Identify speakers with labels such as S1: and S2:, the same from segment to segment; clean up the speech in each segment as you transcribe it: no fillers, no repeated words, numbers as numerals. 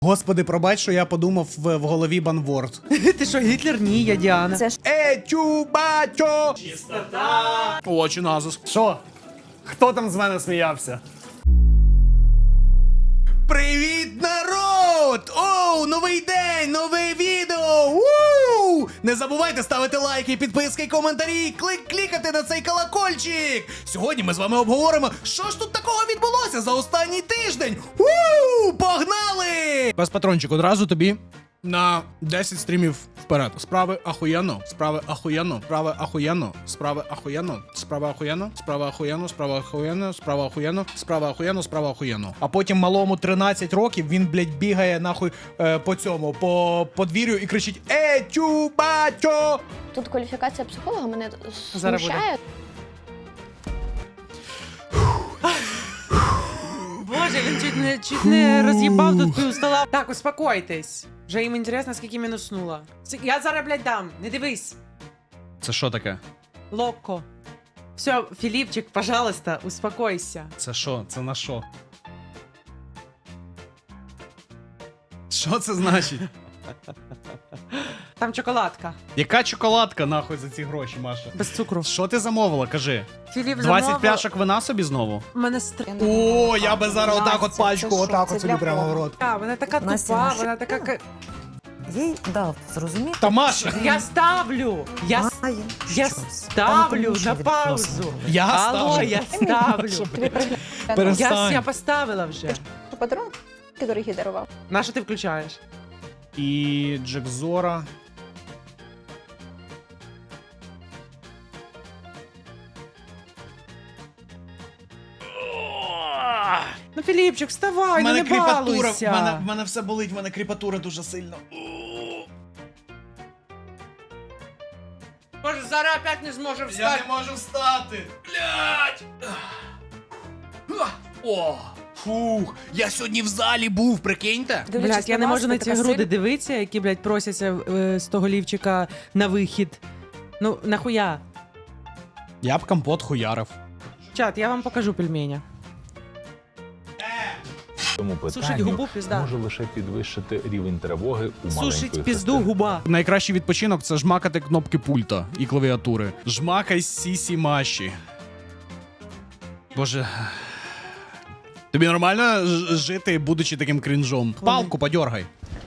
S1: Господи, пробач, що я подумав в голові банворд.
S2: Ти що, Гітлер? Ні, я Діана.
S3: Це ж
S1: Чубачо! Чистота! Очі назус.
S4: Що? Хто там з мене сміявся?
S1: Привіт, народ! Оу, новий день, нове відео! Вуу! Не забувайте ставити лайки, підписки, коментарі, клікати на цей колокольчик! Сьогодні ми з вами обговоримо, що ж тут такого відбулося за останній тиждень! Вуу! Погнали! Без патрончик, одразу тобі на 10 стрімів вперед. Справи ахуєнно, справи ахуєнно, справи ахуєнно, справи ахуєнно, справи ахуєнно, справи ахуєнно, справи ахуєнно, справи ахуєнно, справи ахуєнно, справи ахуєнно. А потім малому 13 років, він, блядь, бігає нахуй по цьому, по подвір'ю і кричить чубачо!
S3: тут кваліфікація психолога мене
S2: Зараз
S3: смущає.
S2: Боже, він чуть не роз'їбав тут пів стола. Так, успокойтесь. Вже їм інтересно, скільки мінуснула. Я зараз, блядь, дам. Не дивись.
S1: Це що таке?
S2: Локко. Все, Філіпчик, пожалуйста, успокойся.
S1: Це що? Це на що? Що це значить?
S2: Там чоколадка.
S1: Яка чоколадка нахуй за ці гроші, Маша?
S2: Без цукру.
S1: Що ти замовила, кажи?
S2: Філіп
S1: 20 пляшок вина собі знову?
S2: Мене
S1: О, я би зараз отак от
S3: Настя,
S1: пачку,
S3: це що?
S1: отак
S3: Це
S1: от собі
S3: для
S1: прямо в
S3: кого?
S1: рот.
S2: Вона така
S5: Настя,
S2: тупа,
S5: наша-
S2: вона така...
S5: Їй дав зрозуміти.
S1: Та Маша!
S2: Я ставлю! Я
S5: щось.
S2: ставлю
S5: Там
S2: на
S5: тому,
S2: паузу!
S5: що
S1: Я
S2: Алло,
S1: ставлю.
S2: я ставлю!
S3: Тобі пригляд.
S1: Перестань.
S2: Я поставила вже.
S3: Подарунок, який дарував.
S2: На що ти включаєш?
S1: І Джек Зора.
S2: Ну, Філіпчик,
S1: У
S2: вставай, ну
S1: мене
S2: не
S1: кріпатура,
S2: балуйся.
S1: в мене все болить, в мене кріпатура дуже сильно.
S2: Може, зараз опять не зможе
S1: Я не можу встати. Блядь! О! Фух, я сьогодні в залі був, прикиньте.
S2: Блядь, я не можу на ці груди дивитися, які, блядь, просяться з того лівчика на вихід. Ну, нахуя?
S1: Я б компот хуярив.
S2: Чат, я вам покажу пельменя.
S6: Тому
S2: Сушить
S6: питанню
S2: губу, пізда.
S6: може лише підвищити рівень тривоги у маленької
S2: Сушить пізду
S6: христини.
S2: губа.
S1: Найкращий відпочинок це жмакати кнопки пульта і клавіатури. Жмакай сісі маші. Боже. Тобі нормально жити, будучи таким крінжом? Палку подьоргай.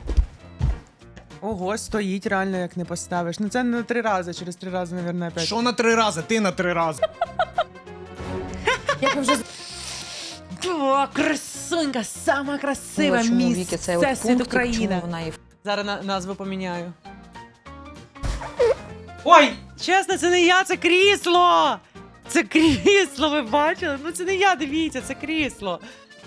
S2: Ого, стоїть реально, як не поставиш. Ну це не 3 рази, через 3 рази, мабуть, опять.
S1: Що на 3 рази? Ти на 3 рази.
S3: Як ви вже
S2: О, красунька, сама красива
S5: Чому
S2: місце
S5: Віки, це от
S2: світ
S5: пунктик,
S2: України.
S5: чому вона і
S2: Зараз назву поміняю. Ой, чесно, це не я, це крісло! Це крісло, ви бачили? Ну це не я, дивіться, це крісло.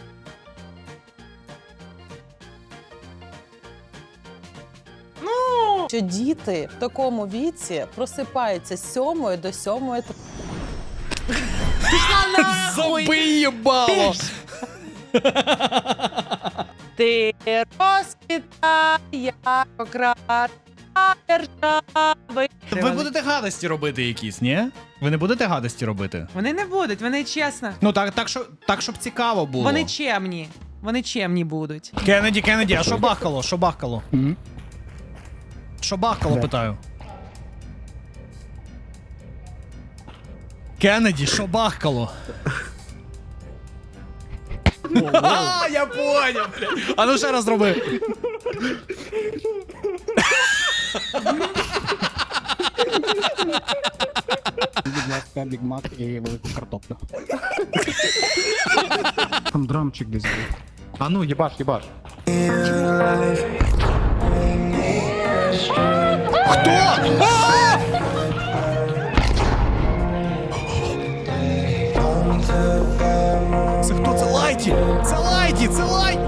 S2: Ну,
S7: Що діти в такому віці просипаються з 7 до 7.
S1: Забий їбало!
S2: ти розквітай, як окрас держави.
S1: Ви будете гадості робити якісь, ні? Ви не будете гадості робити?
S2: Вони не будуть, вони чесно.
S1: Ну так, щоб цікаво було.
S2: Вони чемні. Вони чемні будуть.
S1: Кеннеді, а що бахкало? Що бахкало? Що бахкало, питаю. Кеннеді, що бахкало? А, я поняв, блядь. А ну ще раз зроби.
S8: Будь ласка, бігмак і велику картоплю. Там драмчик десь був. А ну, їбаш.
S1: Це хто? Це Лайті! Це Лайті! Це Лайті!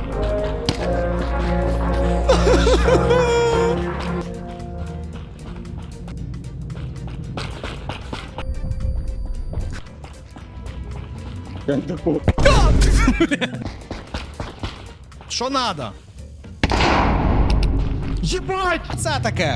S1: Що надо? Єбать! Це таке!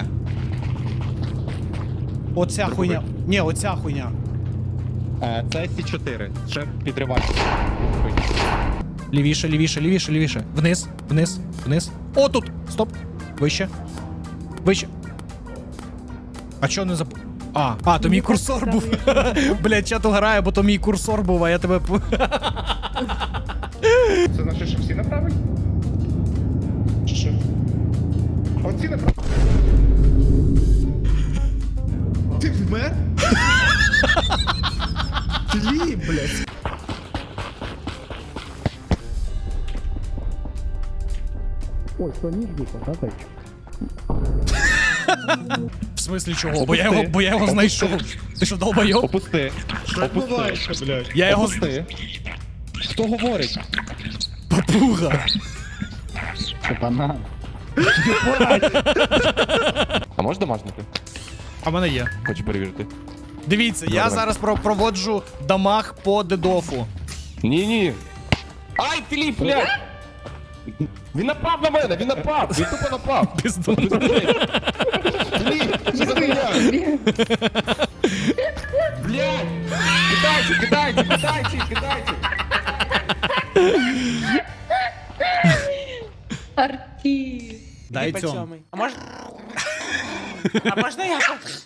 S1: Оця хуйня. Ні, оця хуйня.
S8: Це С4. Ще підривач.
S1: Лівіше, лівіше, лівіше, лівіше. Вниз, вниз, вниз. О, тут! Стоп! Вище. Вище. А чого не зап... то мій курсор був. Блядь, чат угорає, бо то мій курсор був, а я тебе...
S9: Це значить, що всі направили? Чи що? Оці направили.
S1: Ти вмер? Тлі, блядь.
S8: Ой, що ніж випав, да, зайчик?
S1: В смислі чого? Бо я його знайшов. Ти що, долбойоб?
S9: Опусти. Опусти. Блядь.
S1: Я його...
S9: Опусти. Хто говорить?
S1: Папуга.
S8: Це банан.
S9: А можеш домашнити?
S1: А в мене є.
S9: Хочу перевірити.
S1: Дивіться, я зараз проводжу дамаг по дедофу.
S9: Ні. Ай, Філіп, блядь! Він напав на мене, він напав! Він тупо напав!
S1: Піздун.
S9: Філіп, що за хуйня? Блядь! Кидайте!
S1: Дай
S2: Іди
S1: цьому.
S2: поцьомай. А можна я?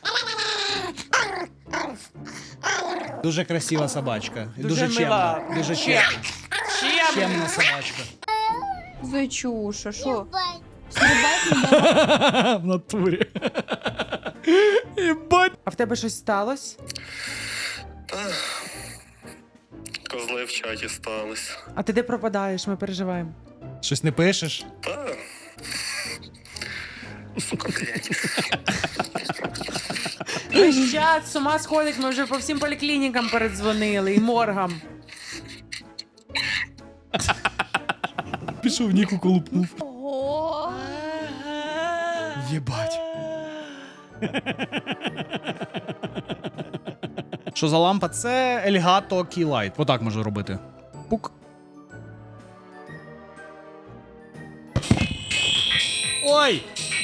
S1: Дуже красива собачка.
S2: Дуже
S1: Дуже
S2: мила.
S1: чемна. Дуже
S2: Чемна.
S1: чемна собачка.
S3: Зайчуша, що?
S1: В натурі. Єбать.
S2: А в тебе щось сталося?
S10: Козли в чаті стались.
S2: А ти де пропадаєш? Ми переживаємо.
S1: Щось не пишеш?
S10: Та. Сука, блядь.
S2: Весь чат з ума сходить, ми вже по всім поліклінікам передзвонили і моргам.
S1: Пішов Ніку колупнув.
S3: Ого!
S1: Єбать. Що за лампа? Це Elgato Keylight. Отак можу робити. Пук. Ой!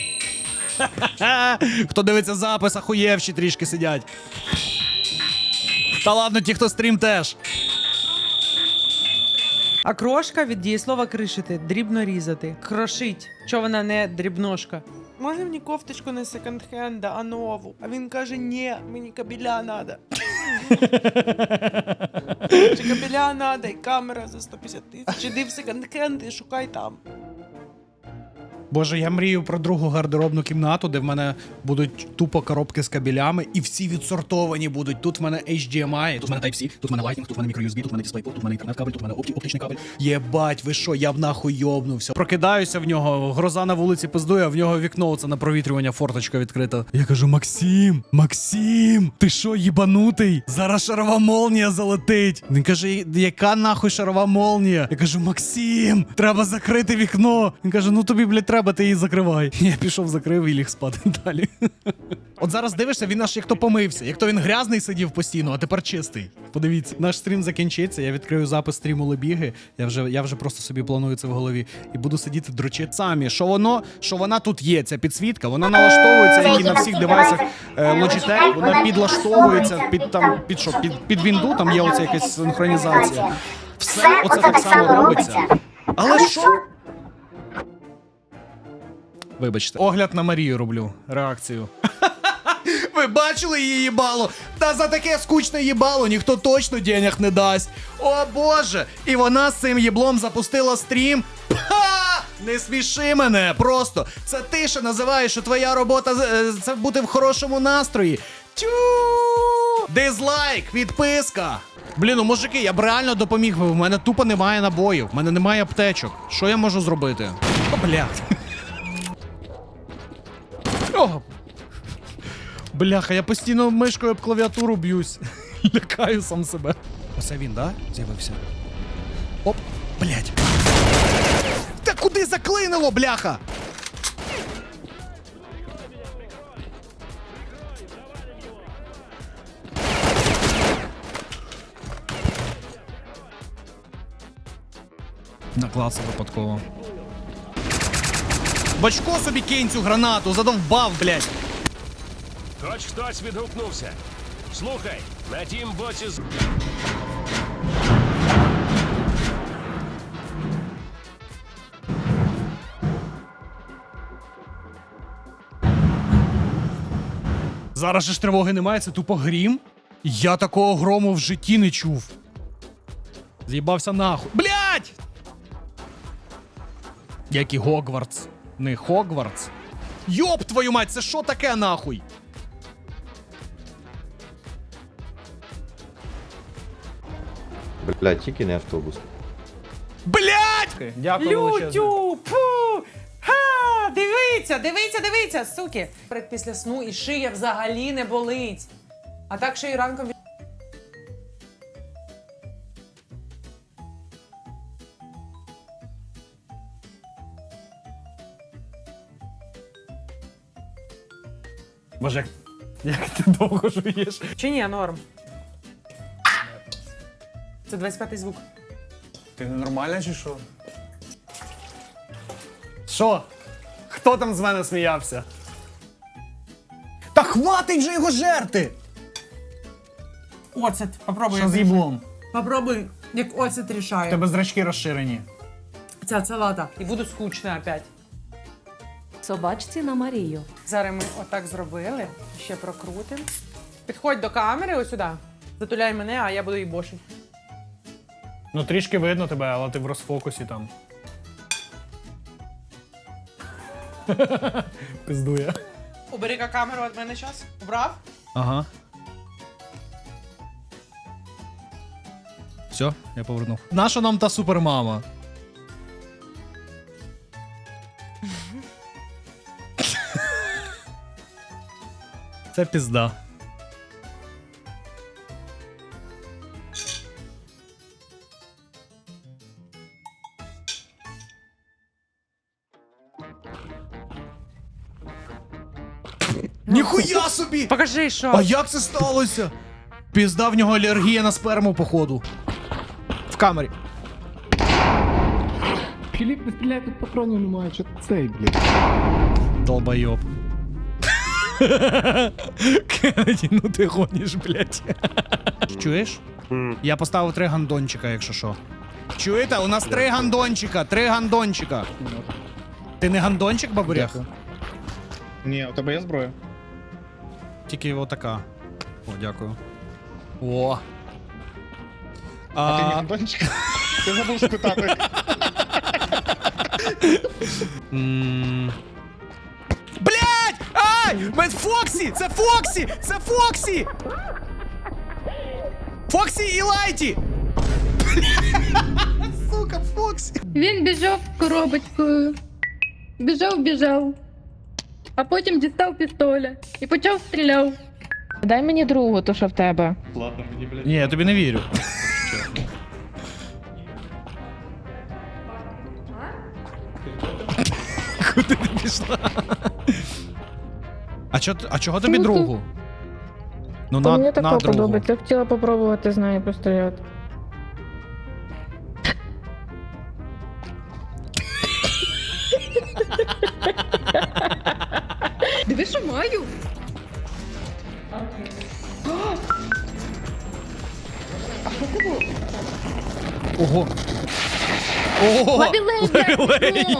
S1: Хто дивиться запис, ахуєвші трішки сидять. Та ладно, ті, хто стрім теж.
S2: А крошка від дієслова кришити, дрібно різати. Крошить. Чого вона не дрібношка? Можна мені кофточку не секонд-хенда, а нову? А він каже, ні, мені кабеля надо. Чи кабеля надо, і камера за 150 тисяч. Іди в секонд-хенд і шукай там.
S1: Боже, я мрію про другу гардеробну кімнату, де в мене будуть тупо коробки з кабелями, і всі відсортовані будуть. Тут в мене HDMI, тут в мене Type-C, тут в мене Lightning, тут в мене micro-USB, тут в мене DisplayPort, тут в мене інтернет-кабель, тут в мене оптичний кабель. Єбать, ви що, я б нахуй йобнувся. Прокидаюся в нього, гроза на вулиці пиздує, а в нього вікно це на провітрювання, форточка відкрита. Я кажу, Максим, ти що, їбанутий? Зараз шарова молнія залетить. Він каже, яка нахуй шарова молнія? Я кажу, Максим, треба закрити вікно. Він каже, ну тобі, блядь, треба, ти її закривай. Я пішов, закрив і ліг спати далі. От зараз дивишся, він аж як то помився. Як то він грязний сидів постійно, а тепер чистий. Подивіться. Наш стрім закінчиться, я відкрию запис стріму Лебіги. Я вже просто собі планую це в голові. І буду сидіти дрочити самі. Що вона тут є, ця підсвітка, вона налаштовується, як і на всіх девайсах Logitech, вона підлаштовується під вінду, там є оця якась синхронізація. Все оце так само робиться. Але що? Вибачте. Огляд на Марію роблю. Реакцію. Ви бачили її їбало? Та за таке скучне їбало ніхто точно денег не дасть. О боже! І вона з цим їблом запустила стрім. Ха! Не сміши мене, просто. Це ти ще називаєш, що твоя робота це бути в хорошому настрої. Тю! Дизлайк, відписка. Блін, ну мужики, я б реально допоміг би. В мене тупо немає набоїв, в мене немає аптечок. Що я можу зробити? О, блядь. О! Бляха, я постійно мишкою об клавіатуру б'юсь. Лякаю сам себе. Оце він, да? З'явився. Оп, блядь. Та куди заклинило, бляха? Наклався випадково. Бачко собі кинь цю гранату, задовбав, блядь.
S11: Хоч хтось відгукнувся. Слухай, на тім боці
S1: Зараз же ж тривоги немає, це тупо грім. Я такого грому в житті не чув. З'їбався нахуй. Блять! Який Гогвартс. Не Хогвартс. Йоп твою мать, це що таке нахуй?
S10: Блядь, тільки не автобус.
S1: Блять!
S4: Дякую величезне.
S2: Лютю! Пу! Ха! Дивіться, дивіться, дивіться, суки! Після сну і шия взагалі не болить. А так ще й ранком...
S4: Боже, як ти довго жуєш.
S2: Чи ні, норм. Це 25-й звук.
S4: Ти ненормальна чи що? Що? Хто там з мене сміявся? Та хватить же його жерти!
S2: Оцет. Попробуй.
S4: Що з їблом?
S2: Попробуй, як оцет
S4: У
S2: рішає.
S4: тебе зрачки розширені.
S2: Ця салата. І буду скучна опять.
S5: Собачці на Марію.
S2: Зараз ми отак зробили. Ще прокрутимо. Підходь до камери ось сюди. Затуляй мене, а я буду її бошить.
S4: Ну трішки видно тебе, але ти в розфокусі там. Пиздує.
S2: Убери-ка камеру від мене зараз. Убрав?
S1: Ага. Все, я повернув. Наша нам та супермама? Це пізда. Ніхуя собі!
S2: Покажи, що.
S1: А як це сталося? Пізда, в нього алергія на сперму, походу. В камері.
S8: Філіп, не стріляй, тут патронів немає, що цей, блядь.
S1: Долбойоб. Кеннеді, ну ти гониш, блядь. Чуєш? Я поставив 3 гандончика, якщо що. Чуєте? У нас 3 гандончика, 3 гандончика. Ти не гандончик, бабурях?
S8: Дякую. Ні, у тебе є зброя?
S1: Тільки отака. О, дякую. О.
S8: А ти не гандончик? Ти забув спитати.
S1: Блять! Ай! Мен Фоксі! Це Фоксі! Це Фоксі! Фоксі і Лайті! Сука, Фоксі!
S3: Він біжав коробочкою. Біжав. А потім дістав пістоля і почав стріляв. Дай мені другу, то що в тебе.
S1: Ні, я тобі не вірю. Куди ти пішла? А чого тобі другу? Ну на другу.
S3: Я хотіла попробувати з нею постріляти. Диви, що маю.
S1: Ого. Ого!
S3: Лавілей!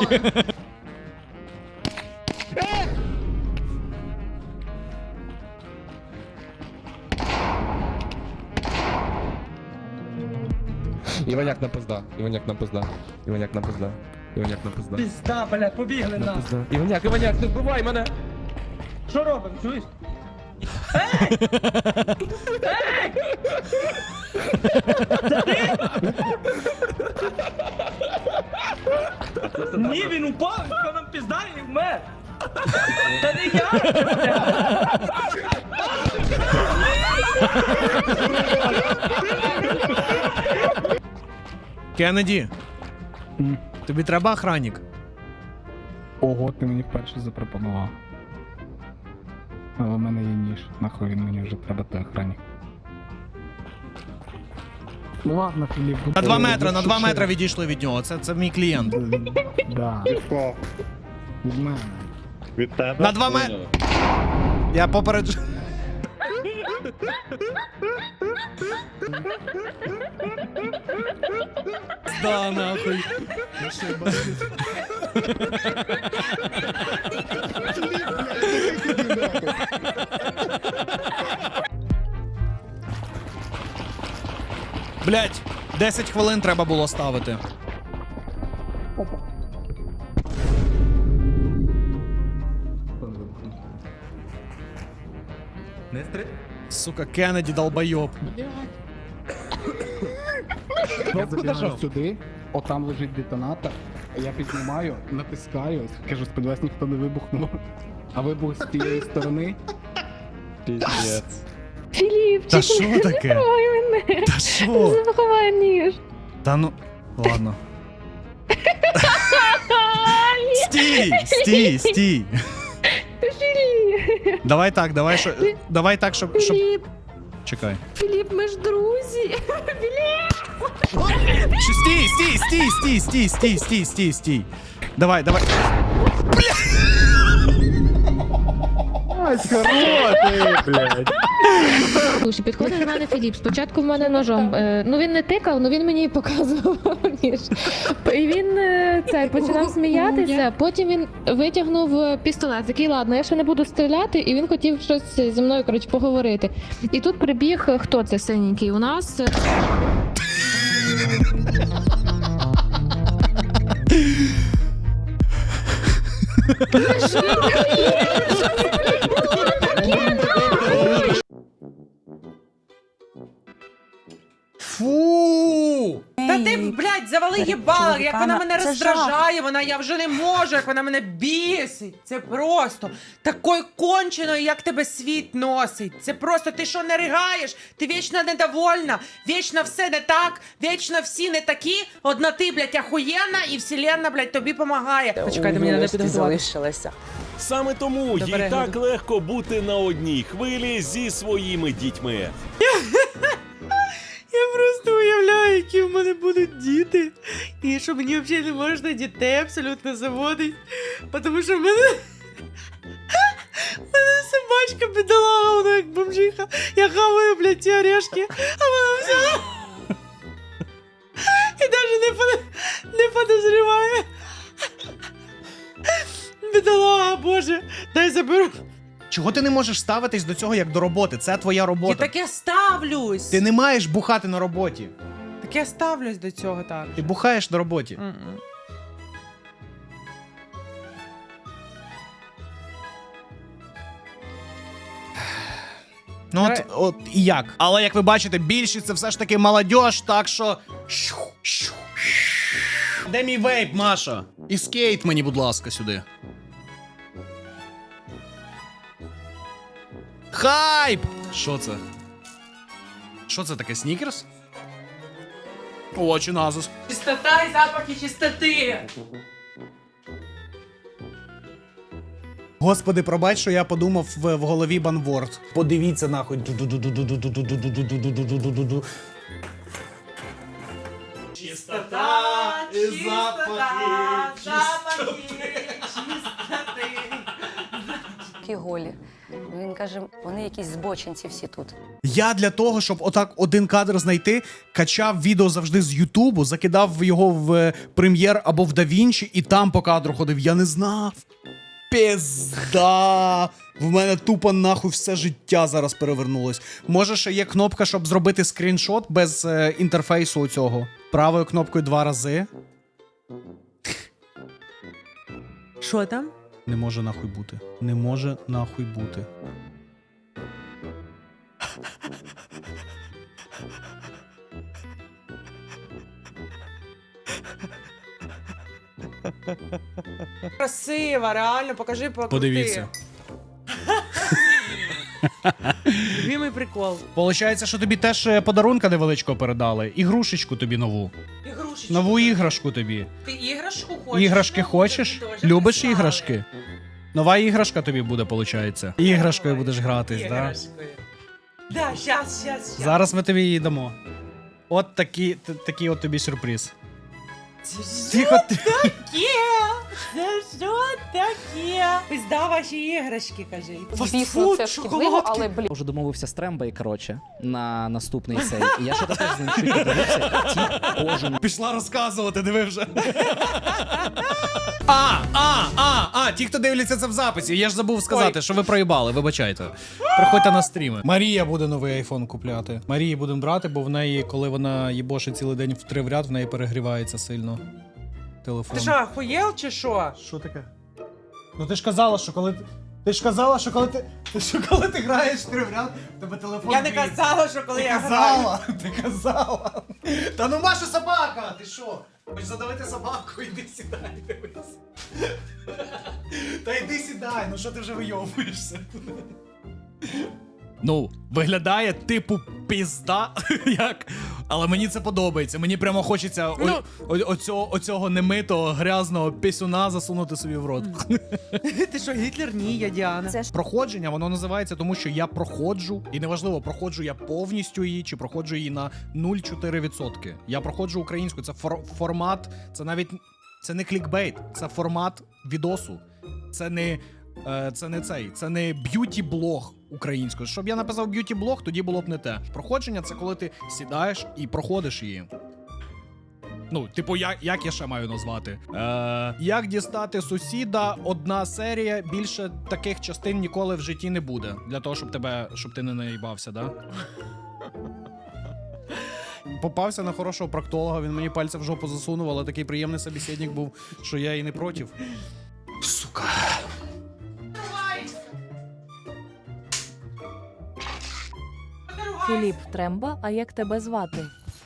S9: Іваняк на пизда. Іваняк на пизда. Іваняк на пизда. Іваняк на пизда.
S2: Пізда, блядь, побігли
S9: На пизда. Іваняк, не вбивай мене!
S2: Що робимо, чуєш? Ні, він упав, що нам пізда і вмер. Та не я.
S1: Кеннеді, тобі треба охранник?
S8: Ого, ти мені вперше запропонував. Але в мене є ніж. Нахуй він мені вже треба той охранник. Ну ладно, Філіп.
S1: На 2 метри, на 2 метри відійшли від нього. Це мій клієнт.
S8: Да. Від мене.
S10: Від тебе?
S1: На 2 метри. Я попереджу. Да, нахуй. Блять, 10 хвилин треба було ставити. Сука, Кеннеді долбойоб.
S8: Я зайшов сюди, отам лежить детонатор, я піднімаю, натискаю, кажу, сподіваюсь, ніхто не вибухнув. А вибух з тієї сторони.
S10: Піздець.
S3: Філіп,
S1: Та що таке?
S3: мене.
S1: Та що?
S3: Заховай ніж.
S1: Та ну, ладно. Стій.
S3: Філіп.
S1: Давай так, щоб...
S3: Філіп,
S1: Чекай.
S3: Філіп, ми ж друзі.
S1: Стій. Давай.
S3: Слушай, підходить до мене Філіп. Спочатку в мене ножом. Ну він не тикав, ну він мені показував ніж. І він починав сміятися. Потім він витягнув пістолет. Такий, ладно, я ще не буду стріляти, і він хотів щось зі мною, коротше, поговорити. І тут прибіг, хто це синенький? У нас.
S1: Фу!
S2: Та ти, блядь, завали їбала, як вона мене роздражає, я вже не можу, як вона мене бісить. Це просто такою конченою, як тебе світ носить. Це просто, ти що не ригаєш? Ти вічно недовольна, вічно все не так, вічно всі не такі. Одна ти, блядь, ахуєнна, і вселенна, блядь, тобі помагає. Почекайте, мені треба підготувати.
S7: залишилася.
S11: Саме тому
S2: До
S11: їй
S2: перегляду.
S11: так легко бути на одній хвилі зі своїми дітьми.
S2: Я просто уявляю, які в мене будуть діти. І що мені взагалі не можна дітей абсолютно заводити. Тому що в мене собачка бідолага, вона як бомжиха. Я хаваю, блядь, ці орешки, а вона взяла. І навіть не подозріває. Бідолага, боже, дай заберу.
S1: Чого ти не можеш ставитись до цього як до роботи? Це твоя
S2: Я
S1: робота.
S2: таке ставлюсь.
S1: Ти не маєш бухати на роботі.
S2: Так я ставлюсь до цього так.
S1: Ти бухаєш на роботі.
S2: М-м.
S1: Ну от і як. Але як ви бачите, більшість це все ж таки молодіж, так що. Де мій вейп, Маша? І скейт мені, будь ласка, сюди. Хайп! Що це? Що це таке, снікерс? О, чи назус.
S2: Чистота і запахи чистоти.
S1: Господи, пробач, що я подумав в голові банворд. Подивіться нахуй.
S2: Чистота, запахи чистоти.
S5: Такі голі. Він каже, вони якісь збочинці всі тут.
S1: Я для того, щоб отак один кадр знайти, качав відео завжди з Ютубу, закидав його в Прем'єр або в DaVinci і там по кадру ходив. Я не знав. Пізда! В мене тупо нахуй все життя зараз перевернулось. Може, ще є кнопка, щоб зробити скріншот без інтерфейсу у цього. Правою кнопкою 2 рази.
S2: Що там?
S1: Не може нахуй бути. Не може нахуй бути.
S2: Красиво, реально, покажи, покрути.
S1: Подивіться.
S2: Любимий прикол.
S1: Получається, що тобі теж подарунка невеличкого передали. Ігрушечку тобі нову.
S2: Ігрушечку.
S1: Нову іграшку тобі.
S2: Ти іграшку хочеш?
S1: Іграшки
S2: Ну,
S1: хочеш?
S2: теж
S1: Любиш
S2: прислали.
S1: іграшки? Нова іграшка тобі буде, получається. Іграшкою будеш гратись, так? Да?
S2: Іграшкою. Да, щас.
S1: Зараз ми тобі її дамо. От такий от тобі сюрприз. Тихо, ти.
S2: Це що таке? Пизда ваші іграшки, кажи.
S5: Звісно, це шкідливо, але, блін.
S12: Вже домовився з Трембой, коротше, на наступний цей. І я ще теж з ним чуть подивився, ті кожен.
S1: Пішла розказувати, диви вже. ті, хто дивляться це в записі, я ж забув сказати, що ви проїбали, вибачайте. Приходьте на стріми. Марія буде новий айфон купляти. Марії будемо брати, бо в неї, коли вона їбошить цілий день в 3 в ряд, в неї перегрівається сильно телефон.
S2: Ти що, охуєл чи що?
S1: Що таке? Ну ти ж казала, що коли ти ж казала, що коли коли ти граєш 3 в ряд, в тебе телефон.
S2: Я не
S1: гріється.
S2: казала, що коли
S1: Ти
S2: я граю.
S1: казала, ти казала. Та ну Маша собака, ти що? Хочеш задавити собаку, іди сідай, дивись. Та йди сідай, ну що ти вже вийовуєшся? Ну, виглядає типу пізда, як, але мені це подобається. Мені прямо хочеться оцього немитого, грязного пісюна засунути собі в рот.
S2: Ти що, Гітлер? Ні, я Діана.
S1: Проходження, воно називається тому, що я проходжу, і неважливо, проходжу я повністю її, чи проходжу її на 0,4%. Я проходжу українську, це формат, це навіть, це не клікбейт, це формат відосу. Це не б'юті-блог українською. Щоб я написав б'юті-блог, тоді було б не те. Проходження — це коли ти сідаєш і проходиш її. Ну, типу, як я ще маю назвати? Як дістати сусіда, одна серія, більше таких частин ніколи в житті не буде. Для того, щоб ти не наїбався, да? Попався на хорошого проктолога, він мені пальця в жопу засунув, але такий приємний собеседник був, що я і не проти. Сука.
S5: Філіп Тремба, а як тебе звати?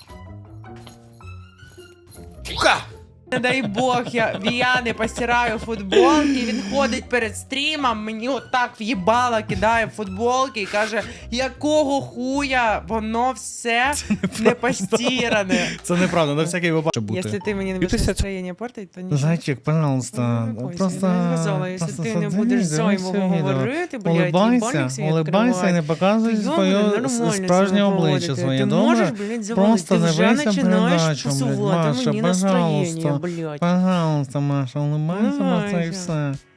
S2: Не дай Бог, я Віяни постираю футболки, він ходить перед стрімом, мені отак в'їбало кидає футболки і каже, якого хуя, воно все не постиране.
S1: Це неправда, на всякий випадок бути.
S2: Якщо ти мені не будеш настроєння портити, то нічого.
S1: Зайчик, пожалуйста,
S2: Якщо ти не будеш зайвого говорити, блядь, їбальник свій
S1: улыбайся і не показуй своє справжнє обличчя своє,
S2: ти
S1: добре?
S2: можеш, блядь, завалити, ти вже починаєш псувати мені настроєння, блядь.
S1: Пожалуйста, Маша, улыбайся, Маша, і все.